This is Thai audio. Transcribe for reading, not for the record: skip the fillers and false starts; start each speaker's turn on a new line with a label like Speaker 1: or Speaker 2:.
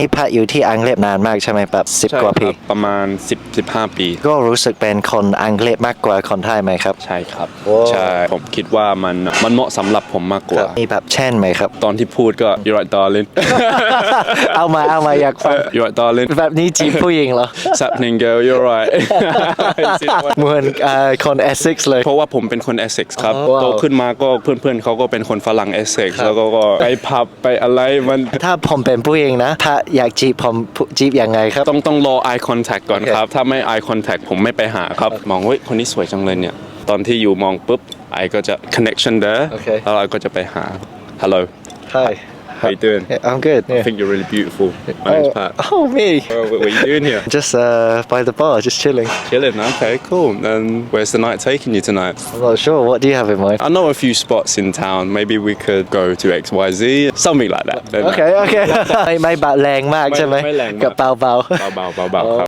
Speaker 1: นี่พักอยู่ที่อังกฤษนานมากใช่ไหมแบบ10 กว่าปี
Speaker 2: ประมาณ10-15 ปี
Speaker 1: ก็รู้สึกเป็นคนอังกฤษมากกว่าคนไทยไหมครับ
Speaker 2: ใช่ครับ
Speaker 1: โอ้
Speaker 2: ใช่ผมคิดว่ามันเหมาะสำหรับผมมากกว่า
Speaker 1: มีแบบเช่นไหมครับ
Speaker 2: ตอนที่พูดก็ you're right darling
Speaker 1: เอามาอยากฟัง
Speaker 2: you're right darling
Speaker 1: แบบนี้จีบผู้หญิงเหรอ
Speaker 2: happening girl you're right
Speaker 1: เหมือนคนเอสเซ็กซ์เลย
Speaker 2: เพราะว่าผมเป็นคนเอสเซ็กซ์ครับ
Speaker 1: ว้าว
Speaker 2: โตขึ้นมาก็เพื่อนๆเขาก็เป็นคนฝรั่งเอสเซ็กซ์แล้วก็ไปพับไปอะไรมัน
Speaker 1: ถ้าผมเป็นผู้หญิงนะ ถ้าอยากจีบผมจีบยังไงครับ
Speaker 2: ต้องรอ eye contact ก่อน
Speaker 1: โอเค
Speaker 2: ครับ ถ้าไม่ eye contact ผมไม่ไปหาครับ มองเฮ้ยคนนี้สวยจังเลยเนี่ย ตอนที่อยู่มองปุ๊บไอก็จะ connection there
Speaker 1: โอเค
Speaker 2: แล้วเราก็จะไปหา hello
Speaker 1: Hi
Speaker 2: how you doing
Speaker 1: Yeah, I'm good
Speaker 2: I think you're really beautiful my name's Pat
Speaker 1: Oh me
Speaker 2: what are you doing here
Speaker 1: Just by the bar just chilling
Speaker 2: chilling okay cool and where's the night taking you tonight
Speaker 1: I'm not sure what do you have in mind
Speaker 2: I know a few spots in town maybe we could go to XYZ something like that
Speaker 1: โอเค ไม่บาดแรงมากใช่ไหม
Speaker 2: ไม่แรงมาก
Speaker 1: กับเบา
Speaker 2: เบาๆครับ